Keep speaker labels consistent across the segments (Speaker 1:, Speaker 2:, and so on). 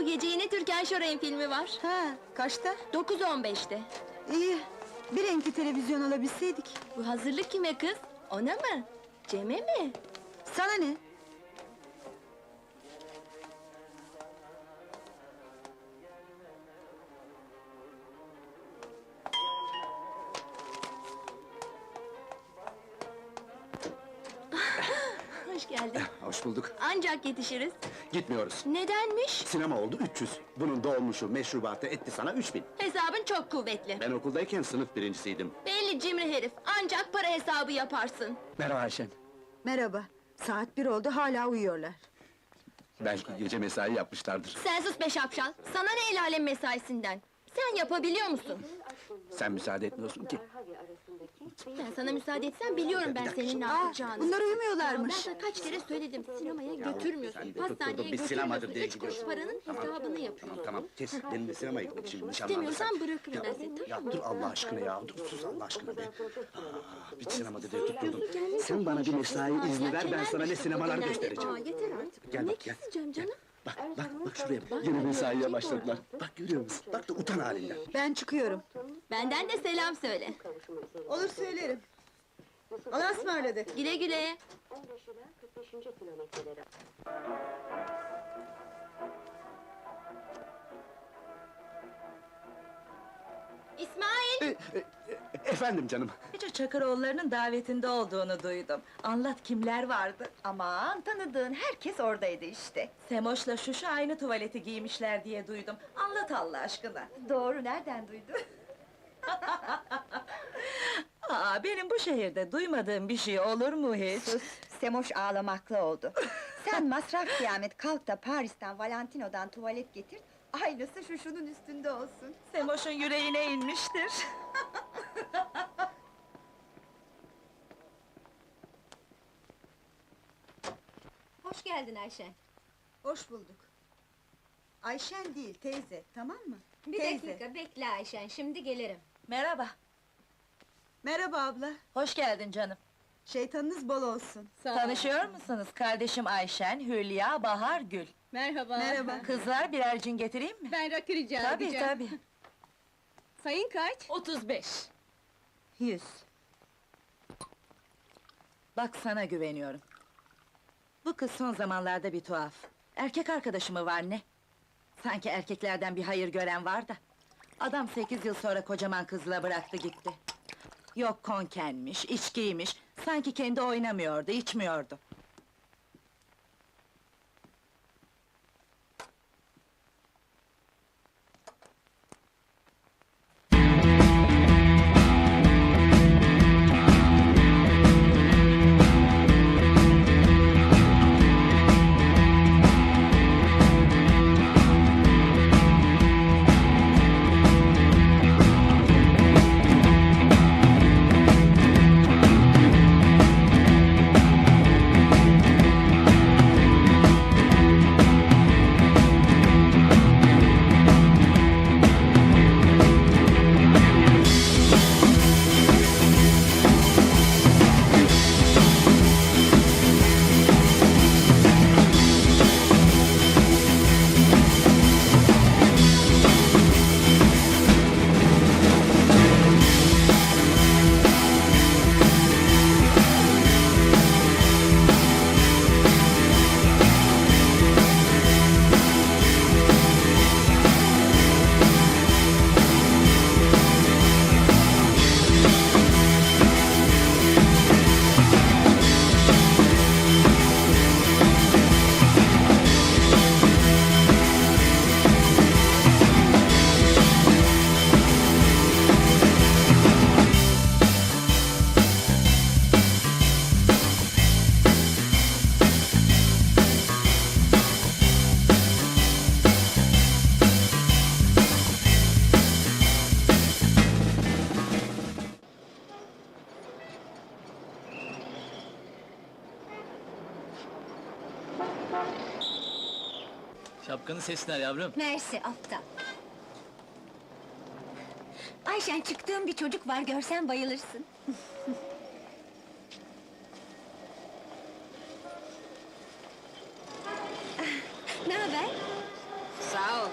Speaker 1: gece yine Türkan Şoray'ın filmi var.
Speaker 2: Ha, kaçta?
Speaker 1: 9:15'te.
Speaker 2: İyi, bir renkli televizyon alabilseydik.
Speaker 1: Bu hazırlık kime kız? Ona mı? Cem'e mi?
Speaker 2: Sana ne?
Speaker 1: Hoş geldin.
Speaker 3: Hoş bulduk.
Speaker 1: Ancak yetişiriz.
Speaker 3: Gitmiyoruz.
Speaker 1: Nedenmiş?
Speaker 3: Sinema oldu 300. Bunun dolmuşu, meşrubatı etti sana 3000.
Speaker 1: Hesabın çok kuvvetli.
Speaker 3: Ben okuldayken sınıf birincisiydim.
Speaker 1: Belli cimri herif, ancak para hesabı yaparsın.
Speaker 3: Merhaba Ayşen.
Speaker 2: Merhaba, saat 1 oldu, hala uyuyorlar.
Speaker 3: Belki gece mesai yapmışlardır.
Speaker 1: Sen sus be şapşal, sana ne el alem mesaisinden? Sen yapabiliyor musun?
Speaker 3: Sen müsaade etmiyorsun ki.
Speaker 1: Ben sana müsaade etsem biliyorum ben senin ne yapacağını.
Speaker 2: Bunlar
Speaker 1: Ya ben
Speaker 2: uyumuyorlarmış.
Speaker 1: sana kaç kere söyledim, sinemaya götürmüyorsun,
Speaker 3: sen de
Speaker 1: pastaneye
Speaker 3: tutturdun, biz sinemadır
Speaker 1: götürmüyorsun,
Speaker 3: diye
Speaker 1: 3 kuruş
Speaker 3: gidiyorsun.
Speaker 1: paranın hesabını yapıyorsun.
Speaker 3: Tamam kes, benim de sinemaya gitmek için nişanlandı.
Speaker 1: İstemiyorsan bırakırım ben seni,
Speaker 3: Ya
Speaker 1: tamam mı?
Speaker 3: dur Allah aşkına ya, dur sus Allah aşkına be. Bir sinemada diye tutturdun. Sen bana bir mesai izni ver, ben sana ne sinemalar göstereceğim.
Speaker 1: Aa, yeter artık.
Speaker 3: Gel
Speaker 1: Ne
Speaker 3: bak, gel.
Speaker 1: keseceğim canım?
Speaker 3: Bak şuraya bak. Yine mesaiye başladılar. Bak görüyor musun? Bak da utan halinden.
Speaker 2: Ben çıkıyorum.
Speaker 1: Benden de selam söyle.
Speaker 2: Olur söylerim. Allah'a ısmarladık.
Speaker 1: Güle güle.
Speaker 4: 15 ila 45. kilometreleri.
Speaker 1: İsmail!
Speaker 3: Efendim canım.
Speaker 5: Gece Çakıroğulları'nın davetinde olduğunu duydum. Anlat kimler vardı?
Speaker 6: Aman tanıdığın herkes oradaydı işte.
Speaker 5: Semoş'la Şuşu aynı tuvaleti giymişler diye duydum. Anlat Allah aşkına.
Speaker 6: Doğru, nereden duydun?
Speaker 5: Aa, benim bu şehirde duymadığım bir şey olur mu hiç?
Speaker 6: Sus, Semoş ağlamaklı oldu. Sen masraf kıyamet kalk da Paris'ten Valentino'dan tuvalet getir, aynısı şu şunun üstünde olsun.
Speaker 5: Semoş'un yüreğine inmiştir.
Speaker 1: Hoş geldin Ayşen.
Speaker 2: Hoş bulduk. Ayşen değil, teyze, tamam mı?
Speaker 1: Bir
Speaker 2: Teyze.
Speaker 1: dakika, bekle Ayşen, şimdi gelirim.
Speaker 5: Merhaba,
Speaker 2: Merhaba abla,
Speaker 5: hoş geldin canım.
Speaker 2: şeytanınız bol olsun.
Speaker 5: Tanışıyor musunuz? Kardeşim Ayşen, Hülya, Bahar, Gül.
Speaker 7: Merhaba.
Speaker 2: Merhaba.
Speaker 5: Kızlar birer cin getireyim mi?
Speaker 7: Ben rakı rica
Speaker 5: Tabii
Speaker 7: edeceğim.
Speaker 5: tabii.
Speaker 7: Sayın kaç?
Speaker 5: 35.
Speaker 2: 100.
Speaker 5: Bak sana güveniyorum. Bu kız son zamanlarda bir tuhaf. Erkek arkadaşı mı var ne? Sanki erkeklerden bir hayır gören var da. Adam 8 yıl sonra kocaman kızla bıraktı gitti. Yok konkenmiş, içkiymiş, sanki kendi oynamıyordu, içmiyordu.
Speaker 8: Şapkanın sesler yavrum.
Speaker 1: Mersi, aptal. Ayşen, çıktığım bir çocuk var, görsen bayılırsın. Ne haber?
Speaker 7: Sağ ol.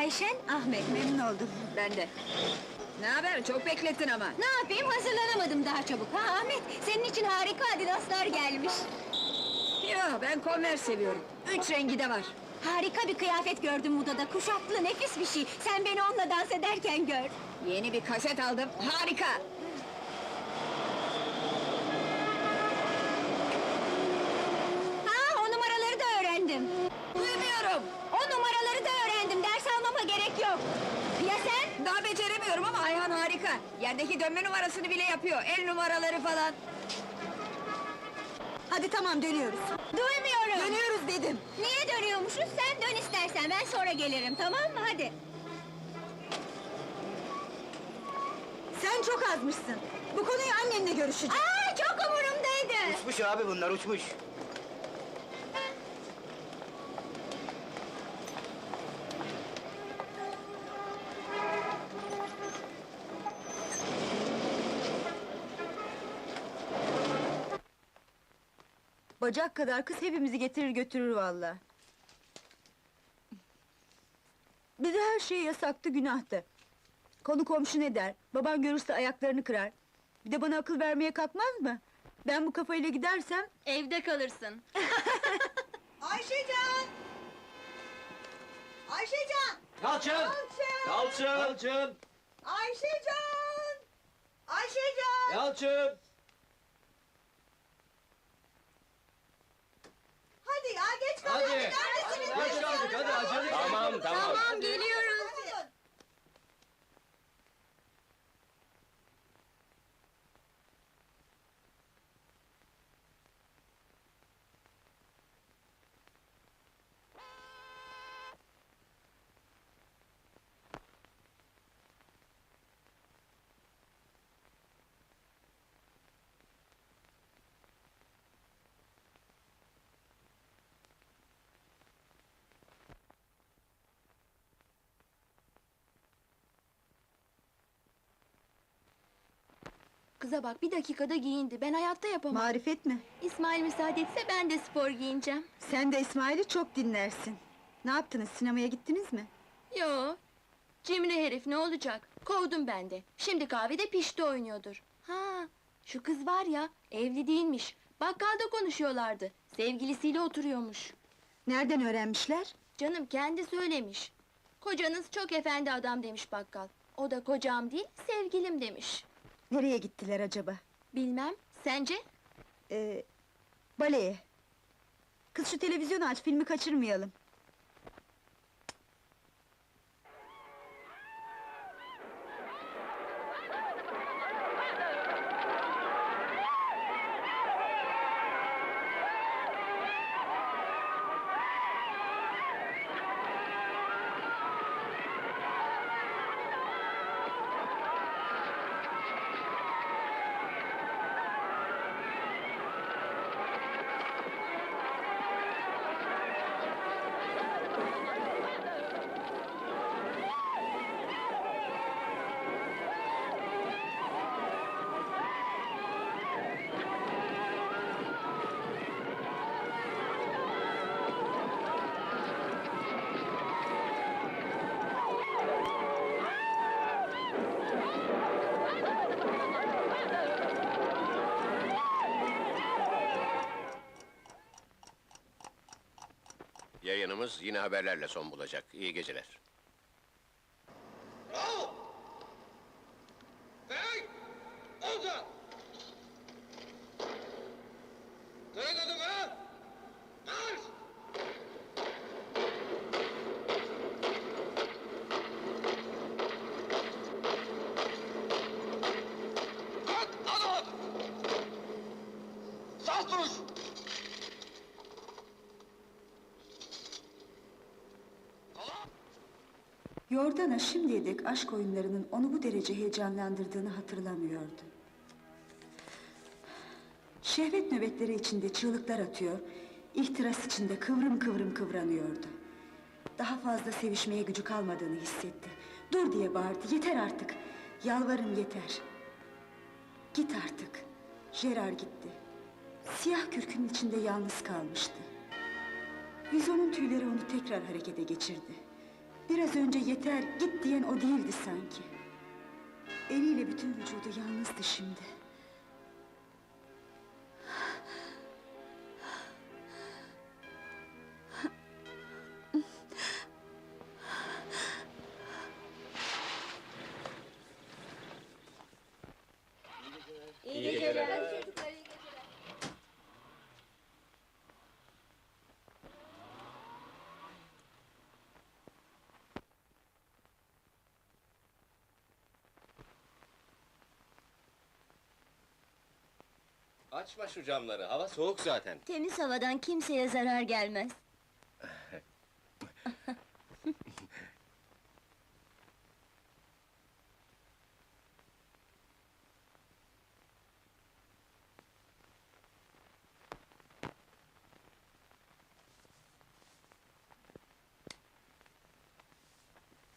Speaker 7: Ayşen, Ahmet.
Speaker 6: Memnun oldum.
Speaker 7: Ben de. Ne haber? Çok beklettin ama.
Speaker 1: Ne yapayım, hazırlanamadım daha çabuk. Ha Ahmet, senin için harika adidaslar gelmiş.
Speaker 7: Yo, ben Converse seviyorum. 3 rengi de var.
Speaker 1: Harika bir kıyafet gördüm modada, kuşaklı, nefis bir şey. Sen beni onunla dans ederken gör.
Speaker 7: Yeni bir kaset aldım. Harika!
Speaker 1: Ha, o numaraları da öğrendim.
Speaker 7: Duymuyorum!
Speaker 1: O numaraları da öğrendim, ders almama gerek yok. Ya sen?
Speaker 7: Daha beceremiyorum ama Ayhan harika. Yerdeki dönme numarasını bile yapıyor. El numaraları falan.
Speaker 6: Hadi tamam, dönüyoruz.
Speaker 1: Duymuyorum.
Speaker 6: Dönüyoruz dedim.
Speaker 1: Niye dönüyormuşuz? Sen dön istersen, ben sonra gelirim, tamam mı? Hadi.
Speaker 6: Sen çok azmışsın. Bu konuyu annenle görüşeceğim.
Speaker 1: Aa, çok umurumdaydı.
Speaker 3: Uçmuş abi bunlar, uçmuş.
Speaker 6: Bacak kadar kız hepimizi getirir götürür vallahi. Bize her şey yasaktı, günahtı. Konu komşu ne der? Baban görürse ayaklarını kırar. Bir de bana akıl vermeye kalkmaz mı? Ben bu kafayla gidersem...
Speaker 1: Evde kalırsın.
Speaker 2: Ayşecan! Ayşecan!
Speaker 8: Yalçın!
Speaker 2: Yalçın!
Speaker 8: Yalçın!
Speaker 2: Ayşecan! Ayşecan!
Speaker 8: Yalçın!
Speaker 2: Hadi ya, geç
Speaker 8: Hadi!
Speaker 2: kalıyoruz. Neredesiniz?
Speaker 8: Geç kaldık, hadi acele.
Speaker 3: Tamam.
Speaker 1: Tamam, geliyoruz. Kıza bak, bir dakikada giyindi. Ben hayatta yapamam.
Speaker 6: Marifet mi?
Speaker 1: İsmail müsaade etse ben de spor giyineceğim.
Speaker 6: Sen de İsmail'i çok dinlersin. Ne yaptınız, sinemaya gittiniz mi?
Speaker 1: Yo, cimri herif ne olacak? Kovdum ben de. Şimdi kahvede pişti oynuyordur. Ha, şu kız var ya, evli değilmiş. Bakkalda konuşuyorlardı. Sevgilisiyle oturuyormuş.
Speaker 6: Nereden öğrenmişler?
Speaker 1: Canım kendi söylemiş. Kocanız çok efendi adam demiş bakkal. O da kocam değil, sevgilim demiş.
Speaker 6: Nereye gittiler acaba?
Speaker 1: Bilmem, sence?
Speaker 6: Baleye. Kız şu televizyonu aç, filmi kaçırmayalım.
Speaker 9: Yayınımız yine haberlerle son bulacak. İyi geceler.
Speaker 6: Yordana şimdiye dek aşk oyunlarının onu bu derece heyecanlandırdığını hatırlamıyordu. Şehvet nöbetleri içinde çığlıklar atıyor, ihtiras içinde kıvrım kıvrım kıvranıyordu. Daha fazla sevişmeye gücü kalmadığını hissetti. Dur diye bağırdı, yeter artık! Yalvarırım yeter! Git artık! Gerard gitti. Siyah kürkünün içinde yalnız kalmıştı. Vizonun tüyleri onu tekrar harekete geçirdi. Biraz önce yeter, git diyen o değildi sanki. Eliyle bütün vücudu yalnızdı şimdi.
Speaker 7: İyi geceler.
Speaker 9: Açma şu camları, hava soğuk zaten.
Speaker 1: Temiz havadan kimseye zarar gelmez.